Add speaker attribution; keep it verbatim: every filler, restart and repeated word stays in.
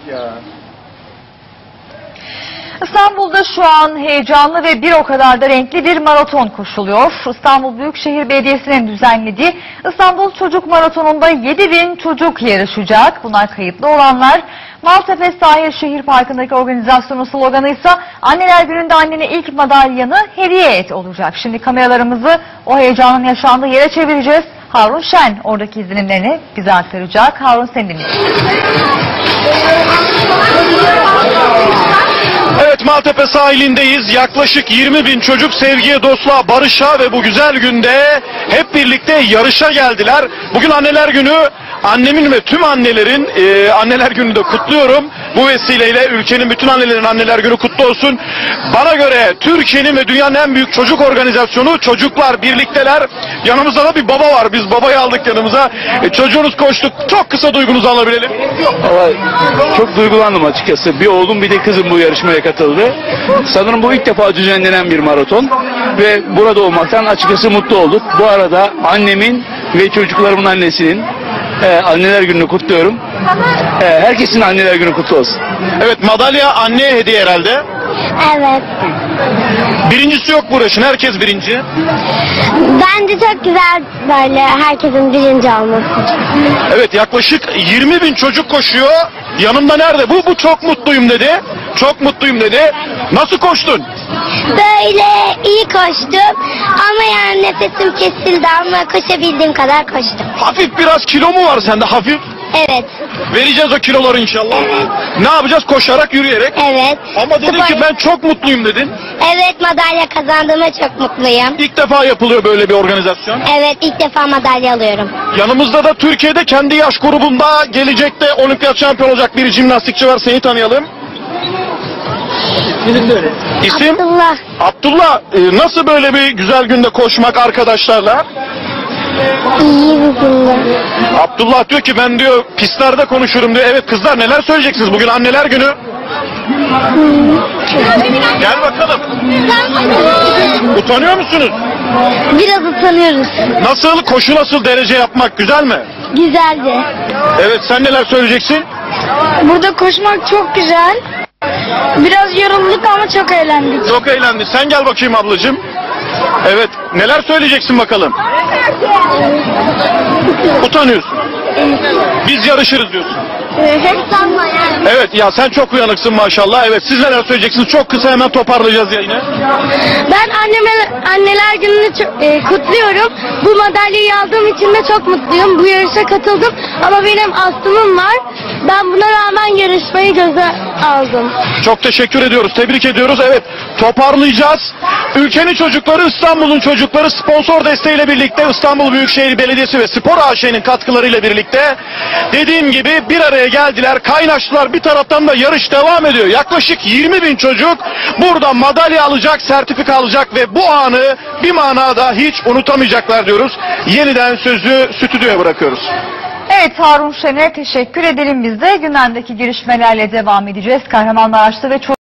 Speaker 1: ya.
Speaker 2: İstanbul'da şu an heyecanlı ve bir o kadar da renkli bir maraton koşuluyor. İstanbul Büyükşehir Belediyesi'nin düzenlediği İstanbul Çocuk Maratonu'nda yedi bin çocuk yarışacak. Bunlar kayıtlı olanlar. Maltepe Sahil Şehir Parkı'ndaki organizasyonun sloganı ise Anneler Günü'nde annene ilk madalyanı hediye et olacak. Şimdi kameralarımızı o heyecanın yaşandığı yere çevireceğiz. Harun Şen oradaki izlenimlerini bize aktaracak. Harun, seni dinliyoruz.
Speaker 1: Evet, Maltepe sahilindeyiz. Yaklaşık yirmi bin çocuk sevgiye, dostluğa, barışa ve bu güzel günde hep birlikte yarışa geldiler. Bugün Anneler Günü. Annemin ve tüm annelerin e, Anneler Günü'nü de kutluyorum. Bu vesileyle ülkenin bütün annelerin Anneler Günü kutlu olsun. Bana göre Türkiye'nin ve dünyanın en büyük çocuk organizasyonu. Çocuklar birlikteler. Yanımızda da bir baba var. Biz babayı aldık yanımıza. E, çocuğunuz koştuk. Çok kısa duygunuzu alabilelim.
Speaker 3: Vallahi çok duygulandım açıkçası. Bir oğlum bir de kızım bu yarışmaya katıldı. Sanırım bu ilk defa düzenlenen bir maraton. Ve burada olmaktan açıkçası mutlu olduk. Bu arada annemin ve çocuklarımın annesinin Ee, Anneler Günü'nü kutluyorum. Ee, herkesin Anneler Günü kutlu olsun.
Speaker 1: Evet, madalya anneye hediye herhalde.
Speaker 4: Evet.
Speaker 1: Birincisi yok bu uğraşın. Herkes birinci.
Speaker 4: Bence çok güzel böyle herkesin birinci olması.
Speaker 1: Evet, yaklaşık yirmi bin çocuk koşuyor. Yanımda nerede? Bu, bu çok mutluyum dedi. Çok mutluyum dedi. Nasıl koştun?
Speaker 4: Böyle iyi koştum ama yani nefesim kesildi ama koşabildiğim kadar koştum.
Speaker 1: Hafif biraz kilo mu var sende, hafif?
Speaker 4: Evet.
Speaker 1: Vereceğiz o kiloları inşallah.
Speaker 4: Evet.
Speaker 1: Ne yapacağız? Koşarak, yürüyerek.
Speaker 4: Evet.
Speaker 1: Ama dedin
Speaker 4: Spor-
Speaker 1: ki ben çok mutluyum dedin.
Speaker 4: Evet, madalya kazandığıma çok mutluyum.
Speaker 1: İlk defa yapılıyor böyle bir organizasyon.
Speaker 4: Evet, ilk defa madalya alıyorum.
Speaker 1: Yanımızda da Türkiye'de kendi yaş grubunda gelecekte olimpiyat şampiyon olacak bir jimnastikçi var. Seni tanıyalım. İsim?
Speaker 4: Abdullah.
Speaker 1: Abdullah, e, nasıl böyle bir güzel günde koşmak arkadaşlarla?
Speaker 4: İyi bir gündü.
Speaker 1: Abdullah diyor ki ben diyor pistlerde konuşurum diyor. Evet kızlar, neler söyleyeceksiniz? Bugün Anneler Günü. Gel bakalım. Utanıyor musunuz?
Speaker 4: Biraz utanıyoruz.
Speaker 1: Nasıl? Koşu nasıl? Derece yapmak güzel mi?
Speaker 4: Güzeldi.
Speaker 1: Evet, sen neler söyleyeceksin?
Speaker 4: Burada koşmak çok güzel. Biraz yorulduk ama çok eğlendik.
Speaker 1: Çok eğlendi. Sen gel bakayım ablacığım. Evet, neler söyleyeceksin bakalım? Utanıyorsun. Biz yarışırız diyorsun.
Speaker 4: Sanma yani.
Speaker 1: Evet ya, sen çok uyanıksın maşallah. Evet, siz neler söyleyeceksiniz? Çok kısa hemen toparlayacağız yayını.
Speaker 4: Ben anneme, anneler gününü çok, e, kutluyorum. Bu madalyayı aldığım için de çok mutluyum. Bu yarışa katıldım ama benim astımım var. Ben buna rağmen yarışmayı göze aldım.
Speaker 1: Çok teşekkür ediyoruz. Tebrik ediyoruz. Evet, toparlayacağız. Ülkenin çocukları, İstanbul'un çocukları sponsor desteğiyle birlikte İstanbul Büyükşehir Belediyesi ve Spor A Ş'nin katkılarıyla birlikte dediğim gibi bir araya geldiler, kaynaştılar. Bir taraftan da yarış devam ediyor. Yaklaşık yirmi bin çocuk burada madalya alacak, sertifika alacak ve bu anı bir manada hiç unutamayacaklar diyoruz. Yeniden sözü stüdyoya bırakıyoruz.
Speaker 2: Evet, Harun Şen'e teşekkür edelim biz de. Gündemdeki gelişmelerle devam edeceğiz. Kahramanmaraş'ta ve